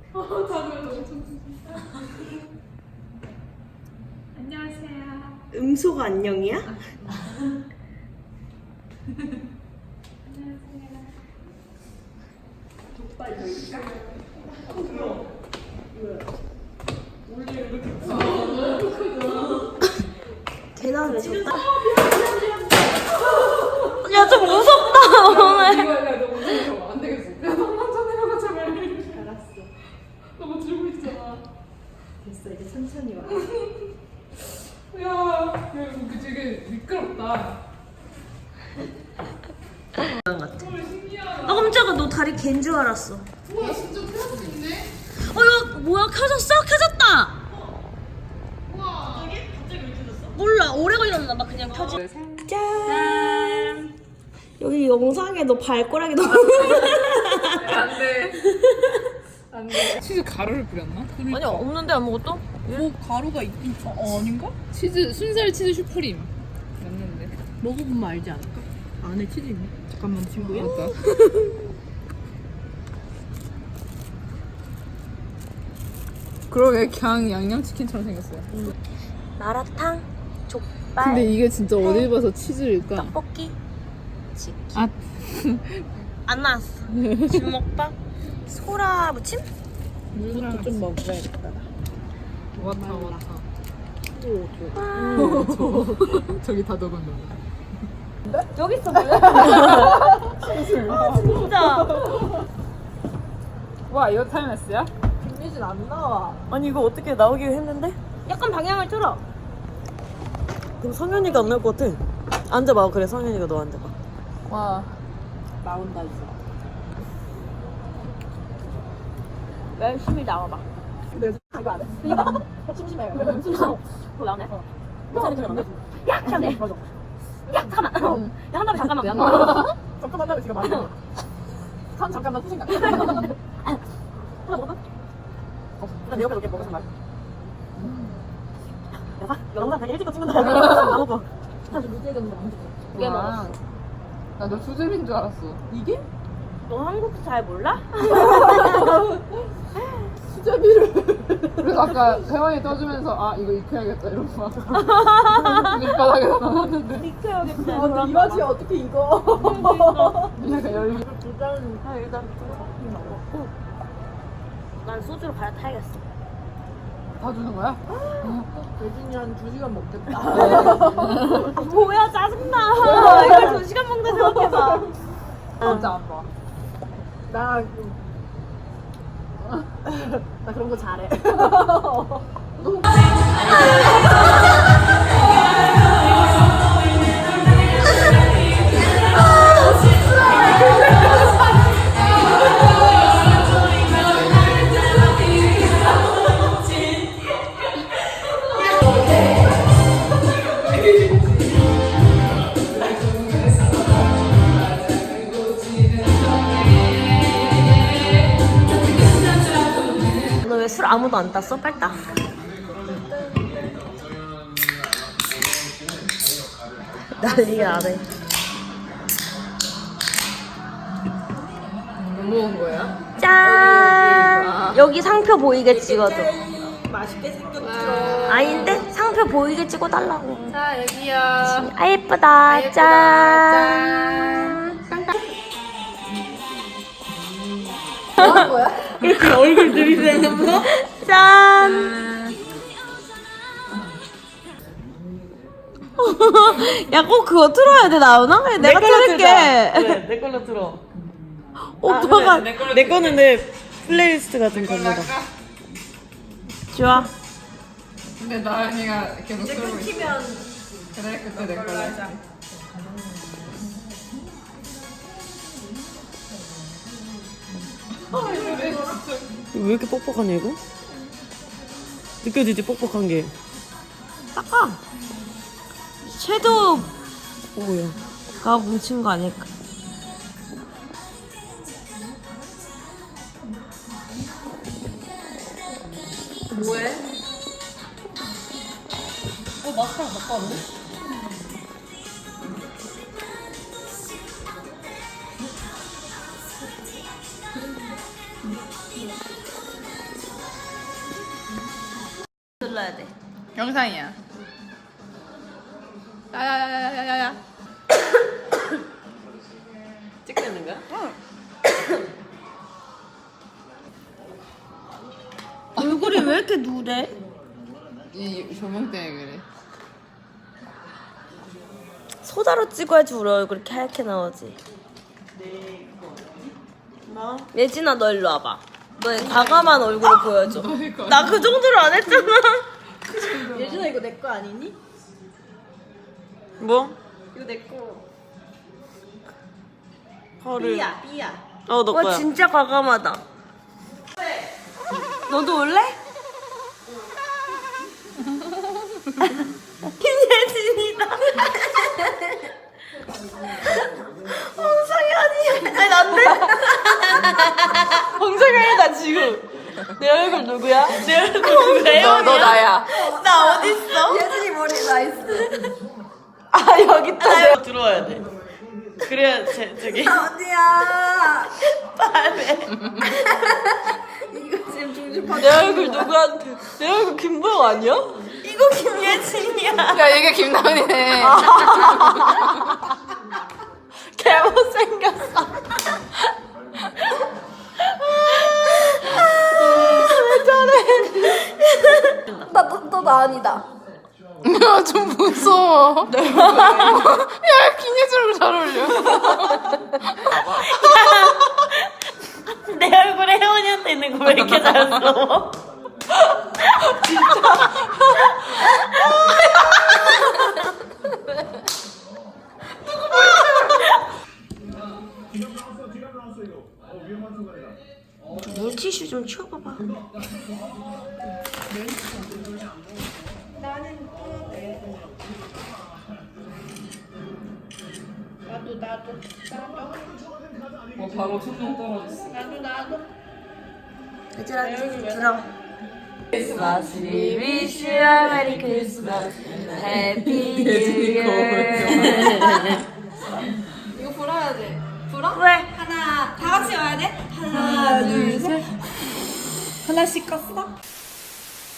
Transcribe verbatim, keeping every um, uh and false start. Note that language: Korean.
안녕하세요. 음소가 안녕이야? 안녕하세요. 족발 열까? 원래 이렇게 계단을 쳤다. 야, 좀 무섭다 오늘. 이거 야, 너 무서워. 안 되겠어. 야, 너 먼저 내려가 제발. 알았어. 너무 들고 있잖아. 됐어, 이제 천천히 와. 야, 야 이거 되게 미끄럽다. 같아. 헐 신기하다. 나 깜짝아, 너 다리 갠 줄 알았어. 우와 진짜 펴수 있네. 어, 이거 뭐야? 켜졌어? 켜졌다. 우와. 갑자기? 갑자기 왜 켜졌어? 몰라, 오래 걸렸나 봐. 그냥 켜지. 짠. 여기 영상에 너 발꼬락이 너무. 안돼. 안돼. 치즈 가루를 뿌렸나? 아니, 없는데 아무것도? 뭐 가루가 있긴 어, 아닌가? 치즈 순살 치즈 슈프림 맞는데. 먹어보면 알지 않을까? 안에 치즈 있네. 잠깐만, 친구야. 맞다. 그러게 그냥 양념치킨처럼 생겼어요. 마라탕, 족발, 근데 이게 진짜 어디 봐서 치즈일까? 떡볶이, 치킨. 아, 안 나왔어. 주먹밥, 소라 무침? 물도 좀 먹어야겠다. 와타 와타. 와. 저기 다 녹은 거. 여기 있어 볼래? 아 진짜. 와 이거 타임레스야? 김유진 안 나와. 아니 이거 어떻게 나오기로 했는데? 약간 방향을 틀어. 그럼 성현이가 안 나올 것 같아. 앉아봐. 그래, 성현이가 너 앉아봐. 와. 나온다 이제. 열심히 나와봐. 네. 이거 안 해. 이거 심심해요. 심심해. 뭐 나오네. 괜찮아, 괜찮아. 야, 잠깐만. 맞아. 야, 잠깐만. 야, 한 다음에 잠깐만. 잠깐만 나를 지금 안 돼. 참 잠깐만 후진각. 하나 먹어봐. 나 내 옆에 놓게 먹어서 말. 야, 봐. 영상 되게 일찍 찍는다. 안 먹어. 사실 무지개 먹는 거 너무 좋아. 두개 먹었어. 나너 수제비인 줄 알았어. 이게? 너 한국 잘 몰라? 수제비를. 그래서 아까 혜원이 떠주면서 아 이거 익혀야겠다 이러고 막 밑바닥에다 놨는데. 익혀야겠다. 아, 근데 이 맛이 어떻게 익어? 약간 열리. 일단 다 일단 조금 먹고. 난 소주로 갈아타야겠어. 다 주는 거야? 예진이 한 두 시간 먹겠다. 뭐야, 짜증나. 이걸 두 시간 먹는 생각해봐. 진짜 안 봐. 나, 그- 나 그런 거 잘해. 너 왜 술 아무도 안 땄어? 빨리 따. 난리가 나네. 뭐 먹은 거야? 짠! 여기 상표 보이게 찍어줘. 맛있게 생겼죠. 아닌데? 상표 보이게 찍어달라고. 자 여기요. 아, 예쁘다. 예쁘다. 짠. 뭐 하는 거야? 이렇게 얼굴 들이대는 거? 짠. 야, 꼭 그거 틀어야 돼, 나오나? 그래, 내가 틀을게. 그래, 내 걸로 들어. 오빠가 아, 그래, 내 걸로 내 거는 내 플레이리스트 같은 걸로. 좋아. 근데 나은이가 계속 이제 쓰고 있어. 끊기면 그래 그때 내 걸로 하자. 할게. 아 이거 내 진짜. 왜 이렇게 뻑뻑하냐, 이거? 느껴지지, 뻑뻑한 게. 닦아. 섀도우 뭐야. 가 뭉친 거 아닐까? 뭐해? 어, 마스카라 갖고 왔네? 눌러야 돼. 영상이야. 야야야야야야야. 찍고 있는 거야? 얼굴이 왜 이렇게 누래? 이 조명 때문에 그래. 소다로 찍어야지 우리 얼굴이 이렇게 나오지. 뭐? 예진아 너 일로 와봐. 너의 과감한 얼굴을 보여줘. 나 그 정도로 안 했잖아. 예준아 이거 내 거 아니니? 뭐? 이거 내 거. 헐을. 삐야 삐야. 어, 너 거야. 와 진짜 과감하다. 너도 올래? 김예진이다. 홍성현이. 아니 난데? 홍성현이다 지금. 내 얼굴 누구야? 내 얼굴 누구야? 너, 너 나야. 나 어딨어? 예준이 머리 나이스. 아 여기 있다. 내가 들어와야 돼. 그래야 제, 저기 어디야? 빨래. 이거 지금 중심 내 얼굴 누구한테? 내 얼굴 김보영 아니야? 이거 김예진이야. 야 이게 김나은이네. 개 못생겼어. 왜 저래? 나너나 아니다. 야 좀 무서워. 야 김예준이랑 잘 어울려. 내 얼굴에 혜원이한테 있는 거 왜 이렇게 잘했어? 물티슈 좀 치워봐봐. 어 바로 손목 떨어졌어. 얘들아 들어. 크리스마스 we wish you a merry Christmas happy new year. 이거 불어야 돼. 불어? 왜? 하나 다 같이 와야 돼. 하나 둘 셋. 하나씩 껐어?